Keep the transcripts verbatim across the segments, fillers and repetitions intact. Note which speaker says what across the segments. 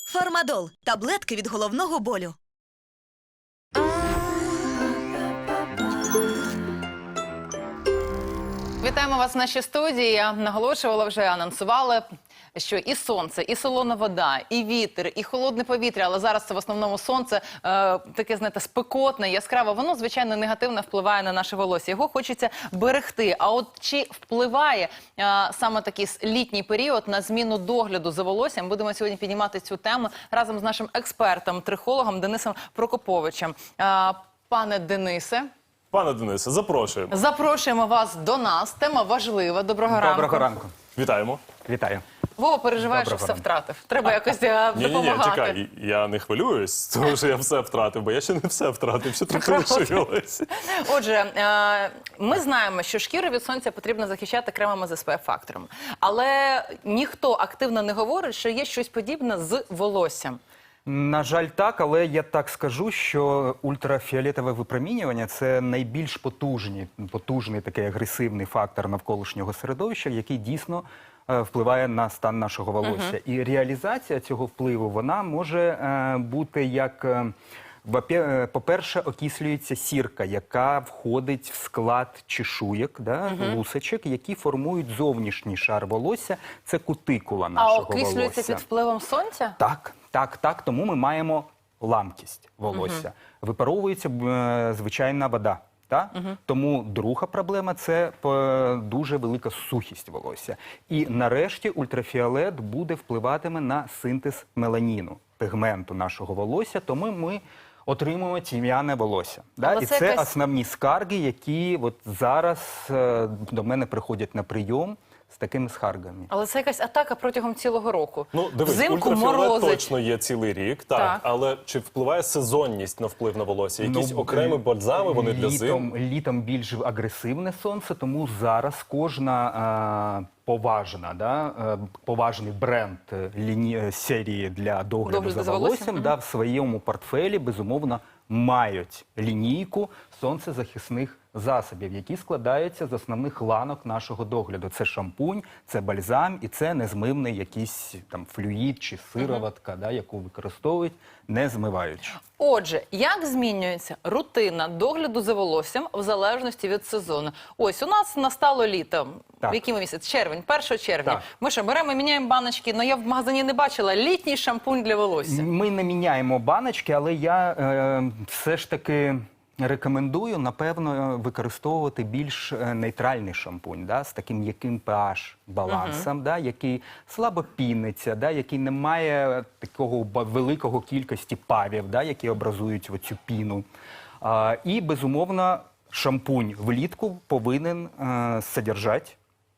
Speaker 1: Фармадол – таблетки від головного болю.
Speaker 2: Вітаємо вас в нашій студії. Я наголошувала, вже анонсувала, що і сонце, і солона вода, і вітер, і холодне повітря, але зараз це в основному сонце, е, таке, знаєте, спекотне, яскраве, воно, звичайно, негативно впливає на наше волосся. Його хочеться берегти. А от чи впливає е, саме такий літній період на зміну догляду за волоссям? Будемо сьогодні піднімати цю тему разом з нашим експертом, трихологом Денисом Прокоповичем. Е, пане Денисе.
Speaker 3: Пане Денисе, запрошуємо.
Speaker 2: Запрошуємо вас до нас. Тема важлива. Доброго ранку.
Speaker 4: Доброго ранку.
Speaker 3: Вітаємо.
Speaker 4: Вітаю.
Speaker 2: Вова переживає, що
Speaker 4: Доброго
Speaker 2: все
Speaker 4: ранку.
Speaker 2: втратив. Треба якось е,
Speaker 3: Ні-ні-ні,
Speaker 2: допомагати.
Speaker 3: чекай, я не хвилююсь, тому що я все втратив, бо я ще не все втратив, ще трохи
Speaker 2: Правда.
Speaker 3: лишилось.
Speaker 2: Отже, е, ми знаємо, що шкіру від сонця потрібно захищати кремами з ес пе еф-фактором. Але ніхто активно не говорить, що є щось подібне з волоссям.
Speaker 4: На жаль, так, але я так скажу, що ультрафіолетове випромінювання – це найбільш потужний, потужний такий агресивний фактор навколишнього середовища, який дійсно е, впливає на стан нашого волосся. Uh-huh. І реалізація цього впливу, вона може е, бути як... Е, По-перше, окислюється сірка, яка входить в склад чешуєк, да, uh-huh. лусочок, які формують зовнішній шар волосся. Це кутикула нашого
Speaker 2: А окислюється
Speaker 4: волосся.
Speaker 2: під впливом сонця?
Speaker 4: Так, так, так. Тому ми маємо ламкість волосся. Uh-huh. Випаровується е, звичайна вода. Та? Uh-huh. Тому друга проблема – це е, дуже велика сухість волосся. І нарешті ультрафіолет буде впливатиме на синтез меланіну, пігменту нашого волосся, тому ми отримуємо тім'яне волосся. Да? І це
Speaker 2: якась...
Speaker 4: основні скарги, які от зараз е, до мене приходять на прийом з такими скаргами.
Speaker 2: Але це якась атака протягом цілого року.
Speaker 3: Ну, дивись,
Speaker 2: Взимку
Speaker 3: ультрафіолет
Speaker 2: морозить.
Speaker 3: точно є цілий рік, так,
Speaker 2: Так.
Speaker 3: але чи впливає сезонність на вплив на волосся? Якісь
Speaker 4: Ну,
Speaker 3: окремі бальзами, вони для
Speaker 4: літом,
Speaker 3: зим?
Speaker 4: Літом більш агресивне сонце, тому зараз кожна е, поважна, да, е, поважний бренд е, ліні, е, серії для догляду,
Speaker 2: Догляду
Speaker 4: за
Speaker 2: за
Speaker 4: волоссям,
Speaker 2: волоссям,
Speaker 4: да, в своєму портфелі, безумовно, мають лінійку сонцезахисних засобів, які складаються з основних ланок нашого догляду. Це шампунь, це бальзам і це незмивний якийсь там флюїд чи сироватка, да, яку використовують, не змиваючи.
Speaker 2: Отже, як змінюється рутина догляду за волоссям в залежності від сезону? Ось, у нас настало літо.
Speaker 4: Так.
Speaker 2: В який ми місяць? Червень, першого червня.
Speaker 4: Так.
Speaker 2: Ми що, беремо і міняємо баночки, але я в магазині не бачила літній шампунь для волосся.
Speaker 4: Ми не міняємо баночки, але я е, все ж таки рекомендую, напевно, використовувати більш е, нейтральний шампунь, да, з таким м'яким pH балансом, uh-huh. да, який слабо піниться, да, який не має такого великого кількості павів, да, які образують оцю піну. А, і, безумовно, шампунь влітку повинен е, содержати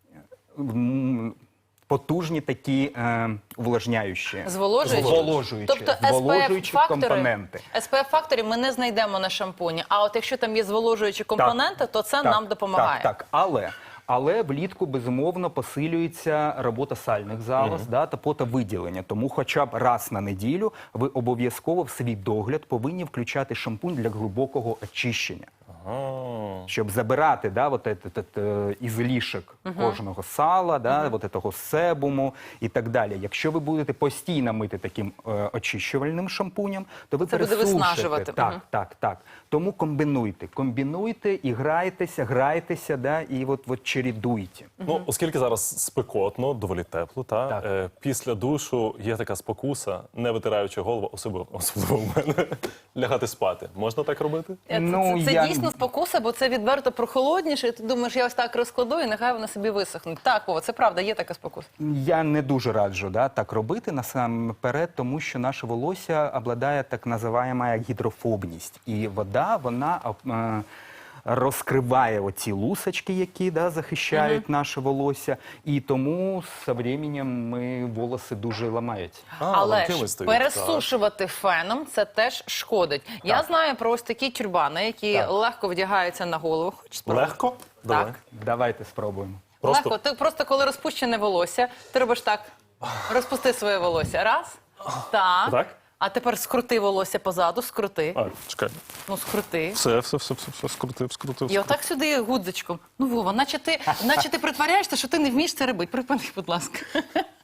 Speaker 4: м, потужні такі е, увлажняючі,
Speaker 2: Зволожуючі?
Speaker 4: зволожуючі,
Speaker 2: Тобто
Speaker 4: зволожуючі компоненти.
Speaker 2: ес пе еф-факторів ми не знайдемо на шампуні, а от якщо там є зволожуючі компоненти,
Speaker 4: Так,
Speaker 2: то це
Speaker 4: так,
Speaker 2: нам допомагає.
Speaker 4: Так, так. Але, але влітку, безумовно, посилюється робота сальних залоз, mm-hmm. да, та потовиділення. Тому хоча б раз на неділю ви обов'язково в свій догляд повинні включати шампунь для глибокого очищення.
Speaker 3: Ага.
Speaker 4: Щоб забирати, да, вот этот, этот, ізлишок uh-huh. кожного сала, да, uh-huh. вот этого себуму і так далі. Якщо ви будете постійно мити таким е, очищувальним шампунем, то ви
Speaker 2: це буде
Speaker 4: пересушите.
Speaker 2: виснажувати.
Speaker 4: Так,
Speaker 2: uh-huh.
Speaker 4: так, так. Тому комбінуйте, комбінуйте і грайтеся, грайтеся, да, і от, от чередуйте.
Speaker 3: Uh-huh. Ну, оскільки зараз спекотно, доволі тепло, та,
Speaker 4: Так.
Speaker 3: е, після душу є така спокуса, не витираючи голову, особливо, особливо в мене, лягати спати. Можна так робити?
Speaker 2: Це,
Speaker 4: Ну,
Speaker 2: це, це
Speaker 4: я-
Speaker 2: дійсно спокуса, бо це відверто прохолодніше, і ти думаєш, я ось так розкладу, і нехай вони собі висохнуть. Так, Вова, це правда, є така спокуса.
Speaker 4: Я не дуже раджу, да, так робити насамперед, тому що наше волосся обладає так називаємо гідрофобність. І вода, вона е, розкриває оці лусочки, які, да, захищають uh-huh. наше волосся. І тому з часом ми волоси дуже ламають.
Speaker 3: А,
Speaker 2: Але
Speaker 3: ламкими
Speaker 2: ж
Speaker 3: стають,
Speaker 2: пересушувати феном це теж шкодить. Я знаю про ось такі тюрбани, які
Speaker 4: Так.
Speaker 2: легко вдягаються на голову. Хочеш
Speaker 3: так.
Speaker 2: спробувати?
Speaker 3: Легко? Давай.
Speaker 2: Так.
Speaker 4: Давайте спробуємо.
Speaker 3: Просто-
Speaker 2: Легко. Ти просто коли розпущене волосся, ти робиш так. Розпусти своє волосся. Раз. Так.
Speaker 3: Так?
Speaker 2: А тепер скрути волосся позаду, скрути.
Speaker 3: А, чекай.
Speaker 2: Ну, скрути.
Speaker 3: Все, все, все, все, все, скрутив, скрутив.
Speaker 2: І отак сюди гудзичком. Ну, Вова, наче ти, наче ти притворяєшся, що ти не вмієш це робити. Припини, будь ласка.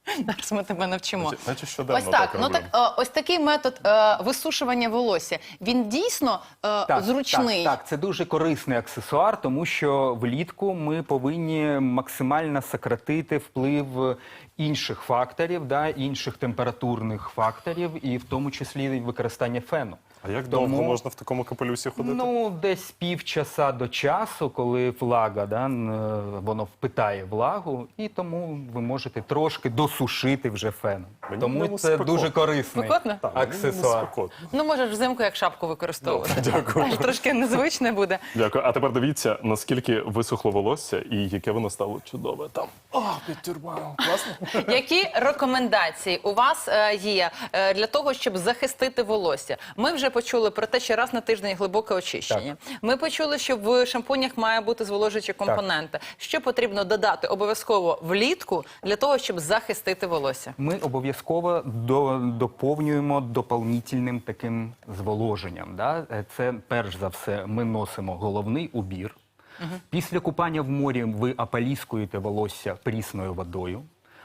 Speaker 2: Зараз ми тебе навчимо.
Speaker 3: Наче- наче щоденно
Speaker 2: Ось так,
Speaker 3: так
Speaker 2: ну
Speaker 3: роблю.
Speaker 2: так, е, ось такий метод е, висушування волосся, він дійсно е, зручний.
Speaker 4: Так, так, це дуже корисний аксесуар, тому що влітку ми повинні максимально сократити вплив інших факторів, да, інших температурних факторів, і в тому числі і використання фену.
Speaker 3: А як
Speaker 4: Тому-
Speaker 3: довго можна в такому капелюсі ходити?
Speaker 4: Ну, десь півчаса до часу, коли влага, да, н- е, воно впитає влагу, і тому ви можете трошки досушити вже феном.
Speaker 3: Мені
Speaker 4: Тому
Speaker 3: прямо
Speaker 4: це
Speaker 3: спекотно.
Speaker 4: дуже корисний
Speaker 2: Спекотно?
Speaker 3: Так, мені
Speaker 4: аксесуар.
Speaker 3: спекотно.
Speaker 2: Ну, можеш взимку як шапку використовувати.
Speaker 3: Ну, дякую.
Speaker 2: Аж трошки незвичне буде.
Speaker 3: Дякую. А тепер дивіться, наскільки висохло волосся і яке воно стало чудове. Там, о, підтюрбав. Класно?
Speaker 2: Які рекомендації у вас е, є е, для того, щоб захистити волосся? Ми вже почули про те, що раз на тиждень глибоке очищення. Ми почули, що в шампунях має бути зволожуючі компоненти. Що потрібно додати обов'язково влітку для того, щоб захистити волосся?
Speaker 4: Ми обов'язково до, доповнюємо доповнительним таким зволоженням. Да? Е, Це перш за все ми носимо головний убір. Після купання в морі ви ополіскуєте волосся прісною водою.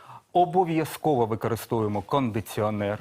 Speaker 4: Обов'язково використовуємо кондиціонер.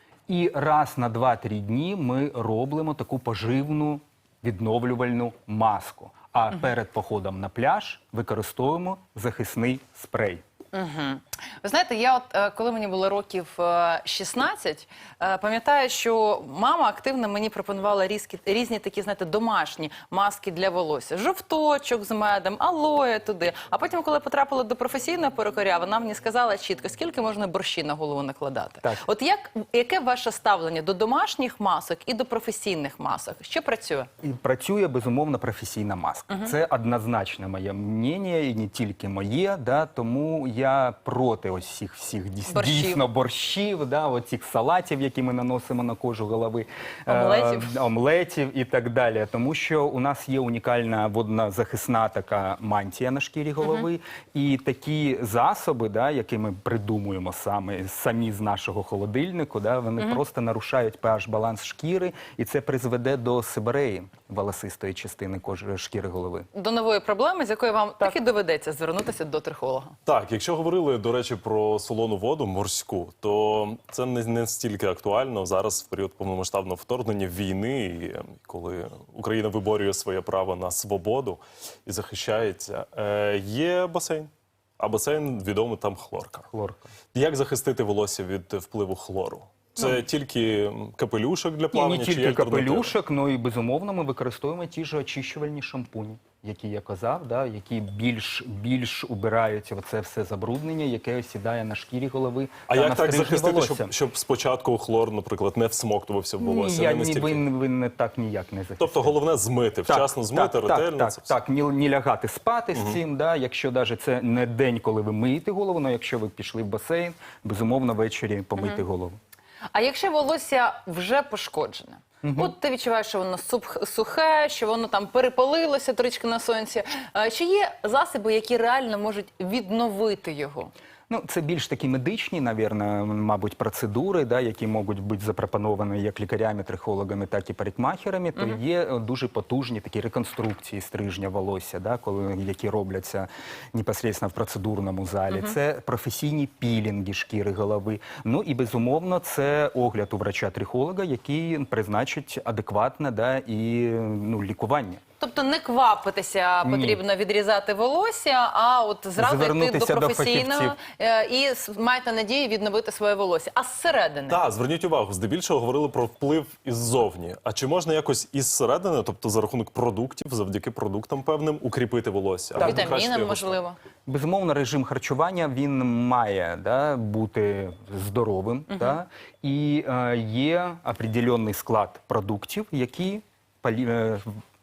Speaker 4: І раз на два-три дні ми робимо таку поживну відновлювальну маску. А перед походом на пляж використовуємо захисний спрей.
Speaker 2: Угу. Ви знаєте, я от е, коли мені було років е, шістнадцять, е, пам'ятаю, що мама активно мені пропонувала різкі, різні такі, знаєте, домашні маски для волосся. Жовточок з медом, алоє туди. А потім, коли потрапила до професійного перукаря, вона мені сказала чітко, скільки можна борщі на голову накладати.
Speaker 4: Так.
Speaker 2: От як, яке ваше ставлення до домашніх масок і до професійних масок? Що працює?
Speaker 4: І працює, безумовно, професійна маска. Це однозначно моє мнення, і не тільки моє, да, тому я проти ось всіх, всіх дійс-
Speaker 2: Борщів.
Speaker 4: дійсно борщів, да, оцих салатів, які ми наносимо на кожу голови,
Speaker 2: Омлетів.
Speaker 4: е, омлетів і так далі. Тому що у нас є унікальна воднозахисна така мантія на шкірі голови, і такі засоби, да, які ми придумуємо саме, самі з нашого холодильнику, да, вони просто нарушають pH-баланс шкіри, і це призведе до сибиреї, волосистої частини кожи шкіри голови.
Speaker 2: До нової проблеми, з якою вам таки доведеться звернутися до трихолога.
Speaker 3: Так, якщо говорили, до речі, про солону воду морську, то це не, не стільки актуально зараз в період повномасштабного вторгнення війни, і коли Україна виборює своє право на свободу і захищається. Е, є басейн. А басейн відомий там хлорка.
Speaker 4: Хлорка.
Speaker 3: Як захистити волосся від впливу хлору? Це тільки капелюшок для
Speaker 4: І
Speaker 3: плавання?
Speaker 4: не
Speaker 3: чи є
Speaker 4: тільки
Speaker 3: альтернатива?
Speaker 4: капелюшок, ну і безумовно ми використовуємо ті ж очищувальні шампуні, які я казав, да, які більш, більш убирають оце все забруднення, яке осідає на шкірі голови
Speaker 3: А
Speaker 4: та
Speaker 3: як
Speaker 4: на
Speaker 3: так
Speaker 4: стрижні
Speaker 3: захистити,
Speaker 4: волосся.
Speaker 3: щоб, щоб спочатку хлор, наприклад, не всмоктувався в волосся?
Speaker 4: Ні, я,
Speaker 3: не
Speaker 4: ні,
Speaker 3: настільки?
Speaker 4: ви, ви не так ніяк не захистите.
Speaker 3: Тобто головне змити, вчасно змити,
Speaker 4: так,
Speaker 3: ретельно.
Speaker 4: Так,
Speaker 3: це
Speaker 4: так,
Speaker 3: все.
Speaker 4: так, не, не лягати спати з цим, да, якщо навіть це не день, коли ви миєте голову, але якщо ви пішли в басейн, безумовно ввечері помийте голову.
Speaker 2: А якщо волосся вже пошкоджене? От ти відчуваєш, що воно сух- сухе, що воно там перепалилося трішки на сонці. Е, Чи є засоби, які реально можуть відновити його?
Speaker 4: Ну, це більш такі медичні, навірно, мабуть, процедури, да, які можуть бути запропоновані як лікарями, трихологами, так і парикмахерами, то є е, дуже потужні такі реконструкції стрижня волосся, да, коли, які робляться непосередньо в процедурному залі. Це професійні пілінги шкіри голови. Ну і, безумовно, це огляд у врача-трихолога, який призначить адекватне, да, і ну, лікування.
Speaker 2: Тобто не квапитися
Speaker 4: Ні.
Speaker 2: потрібно відрізати волосся, а от зразу йти до
Speaker 4: Звернутися до
Speaker 2: професійного
Speaker 4: фахівців.
Speaker 2: е, і с- маєте надію відновити своє волосся. А зсередини?
Speaker 3: Так, зверніть увагу, здебільшого говорили про вплив іззовні. А чи можна якось із середини, тобто за рахунок продуктів, завдяки продуктам певним, укріпити волосся? Або покращити
Speaker 2: Вітаміни,
Speaker 3: його
Speaker 2: можливо.
Speaker 4: Безумовно, режим харчування він має, да, бути здоровим, да, і е, є определенний склад продуктів, які полі, е,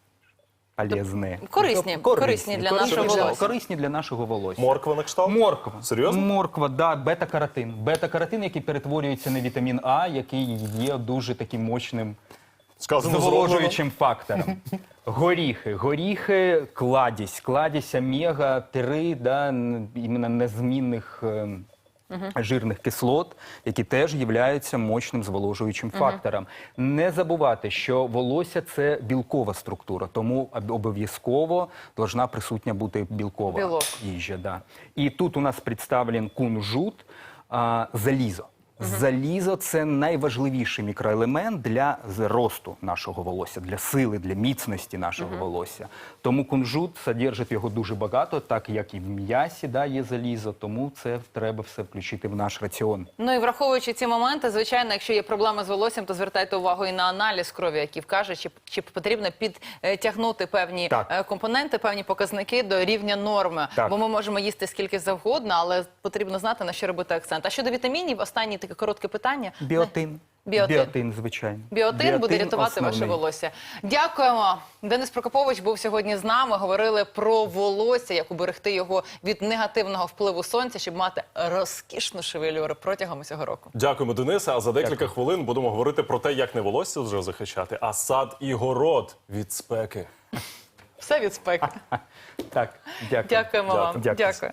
Speaker 4: полезні.
Speaker 2: корисні,
Speaker 4: Тобто
Speaker 2: корисні для нашого
Speaker 4: корисні
Speaker 2: волосся.
Speaker 4: Корисні для нашого волосся.
Speaker 3: Морква на кшталт?
Speaker 4: Морква.
Speaker 3: Серйозно?
Speaker 4: Морква, да, бета-каротин. Бета-каротин, який перетворюється на вітамін А, який є дуже таким мощним
Speaker 3: Сказано
Speaker 4: зволожуючим фактором. Горіхи. Горіхи – кладість. Кладість омега три, да, н- іменно незмінних е, жирних кислот, які теж являються мощним зволожуючим фактором. Не забувати, що волосся – це білкова структура, тому об- обов'язково должна присутня бути білкова
Speaker 2: Білок.
Speaker 4: їжа. Да. І тут у нас представлен кунжут. а, залізо. Залізо – це найважливіший мікроелемент для зросту нашого волосся, для сили, для міцності нашого волосся. Тому кунжут содержить його дуже багато, так як і в м'ясі, да, є залізо, тому це треба все включити в наш раціон.
Speaker 2: Ну і враховуючи ці моменти, звичайно, якщо є проблеми з волоссям, то звертайте увагу і на аналіз крові, який вкаже, чи, чи потрібно підтягнути певні
Speaker 4: Так.
Speaker 2: е, компоненти, певні показники до рівня норми.
Speaker 4: Так.
Speaker 2: Бо ми можемо їсти скільки завгодно, але потрібно знати, на що робити акцент. А щодо вітамінів, останнє таке коротке питання.
Speaker 4: Біотин.
Speaker 2: Біотин.
Speaker 4: Біотин, звичайно.
Speaker 2: Біотин, буде рятувати ваше
Speaker 4: основний.
Speaker 2: волосся. Дякуємо. Денис Прокопович був сьогодні з нами. Говорили про волосся, як уберегти його від негативного впливу сонця, щоб мати розкішну шевелюру протягом усього року.
Speaker 3: Дякуємо, Денисе. А за декілька
Speaker 4: Дякую.
Speaker 3: хвилин будемо говорити про те, як не волосся вже захищати, а сад і город від спеки.
Speaker 2: Все від спеки.
Speaker 4: Так, дякую.
Speaker 2: Дякуємо вам.
Speaker 4: Дякую.
Speaker 2: Дякую.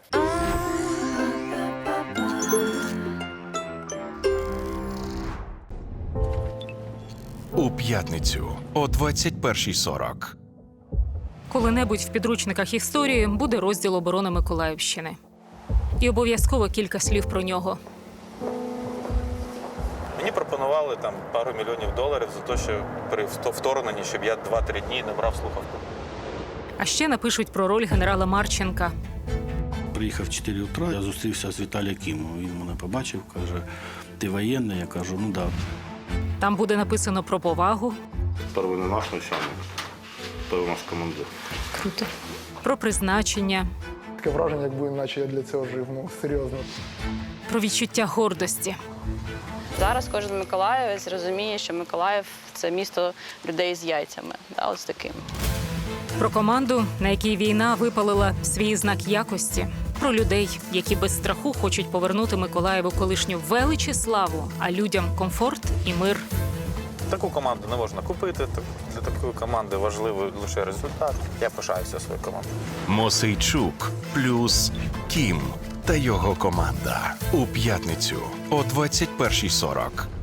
Speaker 5: У п'ятницю о двадцять першій сорок.
Speaker 6: Коли-небудь в підручниках історії буде розділ оборони Миколаївщини. І обов'язково кілька слів про нього.
Speaker 7: Мені пропонували там пару мільйонів доларів за те, що при вто- вторгненні, щоб я два-три дні не брав слухавку.
Speaker 6: А ще напишуть про роль генерала Марченка.
Speaker 8: Приїхав в чотири утра, я зустрівся з Віталієм Кімом. Він мене побачив, каже, ти воєнний? Я кажу, ну так. Да.
Speaker 6: Там буде написано про повагу,
Speaker 8: Перший не наш начальник, перший наш командир.
Speaker 6: про призначення,
Speaker 9: Таке враження, якби наче я для цього жив, ну серйозно.
Speaker 6: про відчуття гордості.
Speaker 10: Зараз кожен миколаївець розуміє, що Миколаїв – це місто людей з яйцями, да, ось таким.
Speaker 6: Про команду, на якій війна випалила свій знак якості. Про людей, які без страху хочуть повернути Миколаєву колишню велич і славу, а людям комфорт і мир.
Speaker 7: Таку команду не можна купити. так- Для такої команди важливий лише результат. Я пишаюся своєю командою.
Speaker 5: Мосейчук плюс Кім та його команда. У п'ятницю о двадцять першій сорок.